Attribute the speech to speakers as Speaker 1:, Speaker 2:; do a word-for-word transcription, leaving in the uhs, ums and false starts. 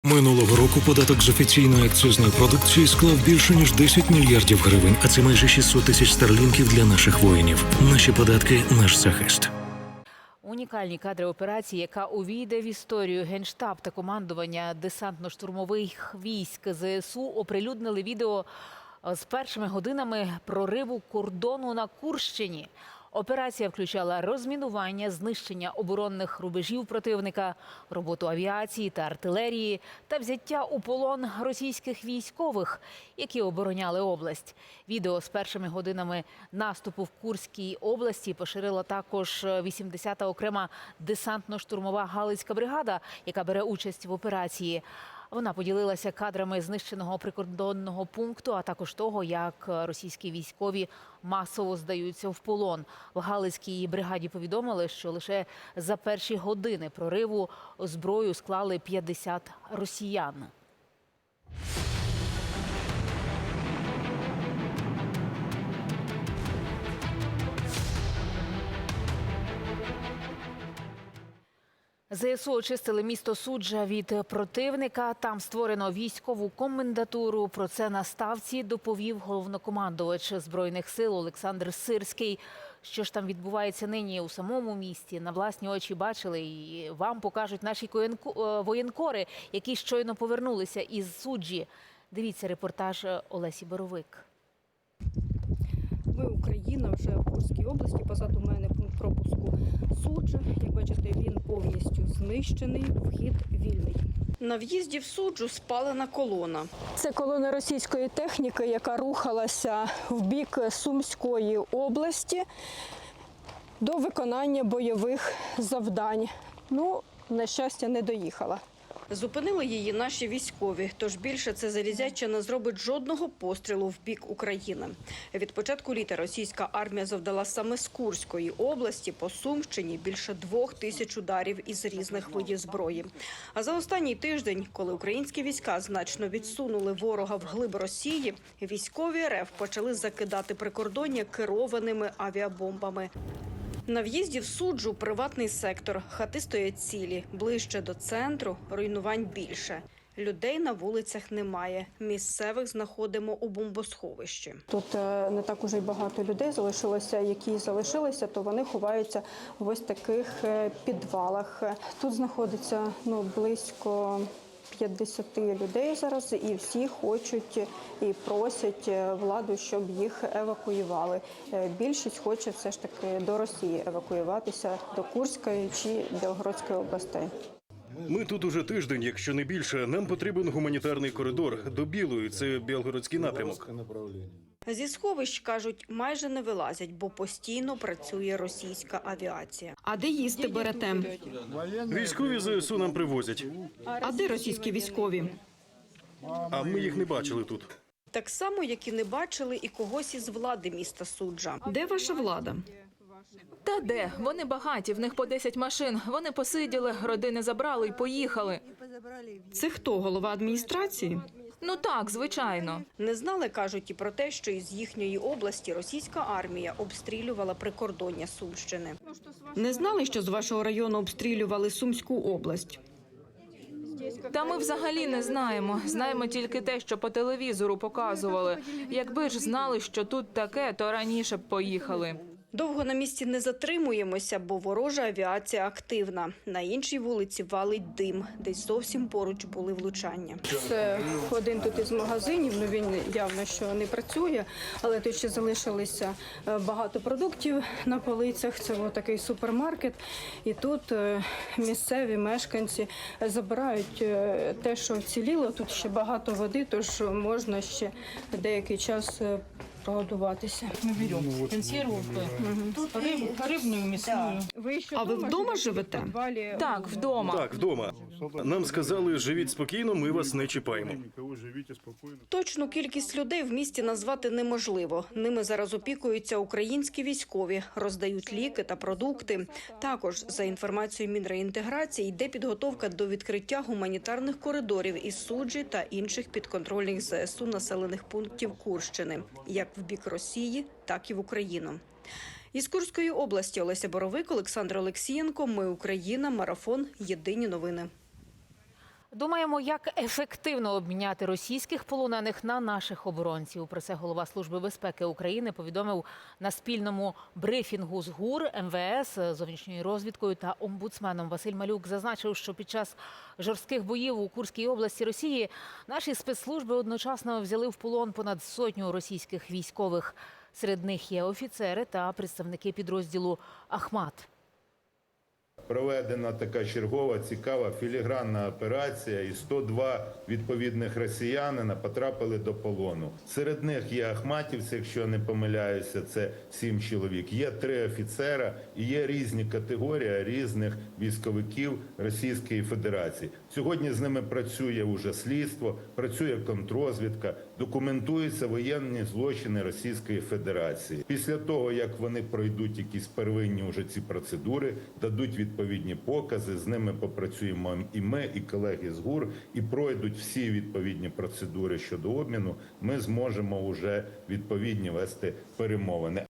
Speaker 1: Минулого року податок з офіційної акцизної продукції склав більше ніж десять мільярдів гривень, а це майже шістсот тисяч старлінків для наших воїнів. Наші податки – наш захист.
Speaker 2: Унікальні кадри операції, яка увійде в історію. Генштаб та командування десантно-штурмових військ ЗСУ оприлюднили відео з першими годинами прориву кордону на Курщині. Операція включала розмінування, знищення оборонних рубежів противника, роботу авіації та артилерії та взяття у полон російських військових, які обороняли область. Відео з першими годинами наступу в Курській області поширила також вісімдесята окрема десантно-штурмова Галицька бригада, яка бере участь в операції. Вона поділилася кадрами знищеного прикордонного пункту, а також того, як російські військові масово здаються в полон. В Галицькій бригаді повідомили, що лише за перші години прориву зброю склали п'ятдесят росіян. ЗСУ очистили місто Суджа від противника. Там створено військову комендатуру. Про це на ставці доповів головнокомандувач Збройних сил Олександр Сирський. Що ж там відбувається нині у самому місті, на власні очі бачили, і вам покажуть наші воєнкори, які щойно повернулися із Суджі. Дивіться репортаж Олесі Боровик.
Speaker 3: Ми Україна, вже в Курській області, позаду мене пункт пропуску Суджа. Як бачите, він повністю знищений, вхід вільний. На в'їзді в Суджу спалена колона. Це колона російської техніки, яка рухалася в бік Сумської області до виконання бойових завдань. Ну, на щастя, не доїхала. Зупинили її наші військові, тож більше це залізяча не зробить жодного пострілу в бік України. Від початку літа російська армія завдала саме з Курської області по Сумщині більше двох тисяч ударів із різних видів зброї. А за останній тиждень, коли українські війська значно відсунули ворога вглиб Росії, військові РФ почали закидати прикордоння керованими авіабомбами. На в'їзді в Суджу приватний сектор. Хати стоять цілі. Ближче до центру руйнувань більше. Людей на вулицях немає. Місцевих знаходимо у бомбосховищі. Тут не так уже й багато людей залишилося. Які залишилися, то вони ховаються в ось таких підвалах. Тут знаходиться ну, близько п'ятдесят людей зараз, і всі хочуть і просять владу, щоб їх евакуювали. Більшість хоче все ж таки до Росії евакуюватися, до Курської чи Білгородської областей.
Speaker 4: Ми тут уже тиждень, якщо не більше. Нам потрібен гуманітарний коридор до Білої, це Білгородський напрямок.
Speaker 3: Зі сховищ, кажуть, майже не вилазять, бо постійно працює російська авіація.
Speaker 5: А де їсти берете?
Speaker 4: Військові ЗСУ нам привозять,
Speaker 5: А де російські військові?
Speaker 4: а ми їх не бачили тут.
Speaker 3: Так само, як і не бачили і когось із влади міста Суджа.
Speaker 5: Де ваша влада?
Speaker 6: Та де? Вони багаті, в них по десять машин. Вони посиділи, родини забрали і поїхали.
Speaker 5: Це хто, голова адміністрації?
Speaker 6: Ну так, звичайно.
Speaker 3: Не знали, кажуть, і про те, що із їхньої області російська армія обстрілювала прикордоння Сумщини.
Speaker 5: Не знали, що з вашого району обстрілювали Сумську область?
Speaker 6: Та ми взагалі не знаємо. Знаємо тільки те, що по телевізору показували. Якби ж знали, що тут таке, то раніше б поїхали.
Speaker 3: Довго на місці не затримуємося, бо ворожа авіація активна. На іншій вулиці валить дим, десь зовсім поруч були влучання. Це один тут із магазинів, ну він явно що не працює, але тут ще залишилися багато продуктів на полицях. Це ось такий супермаркет, і тут місцеві мешканці забирають те, що вціліло. Тут ще багато води, тож можна ще деякий час прогодуватися.
Speaker 7: Мы берем консерву, рыб, рыбную, мясную.
Speaker 5: А ви вдома живете?
Speaker 6: Так, вдома.
Speaker 4: Так, вдома. Нам сказали, живіть спокійно, ми вас не чіпаємо.
Speaker 3: Точну кількість людей в місті назвати неможливо. Ними зараз опікуються українські військові, роздають ліки та продукти. Також, за інформацією Мінреінтеграції, йде підготовка до відкриття гуманітарних коридорів із Суджі та інших підконтрольних ЗСУ населених пунктів Курщини, як в бік Росії, так і в Україну. Із Курської області Олеся Боровик, Олександр Олексієнко. Ми Україна. Марафон. Єдині новини.
Speaker 2: Думаємо, як ефективно обміняти російських полонених на наших оборонців. Про це голова Служби безпеки України повідомив на спільному брифінгу з ГУР, ем ве ес, зовнішньою розвідкою та омбудсменом. Василь Малюк зазначив, що під час жорстких боїв у Курській області Росії наші спецслужби одночасно взяли в полон понад сотню російських військових. Серед них є офіцери та представники підрозділу «Ахмат».
Speaker 8: Проведена така чергова, цікава, філігранна операція, і сто два відповідних росіянина потрапили до полону. Серед них є ахматівці, якщо я не помиляюся, це сім чоловік. Є три офіцера і є різні категорії різних військовиків Російської Федерації. Сьогодні з ними працює уже слідство, працює контррозвідка, документуються воєнні злочини Російської Федерації. Після того, як вони пройдуть якісь первинні уже ці процедури, дадуть відповідні покази, з ними попрацюємо і ми, і колеги з ГУР, і пройдуть всі відповідні процедури щодо обміну, ми зможемо вже відповідні вести перемовини.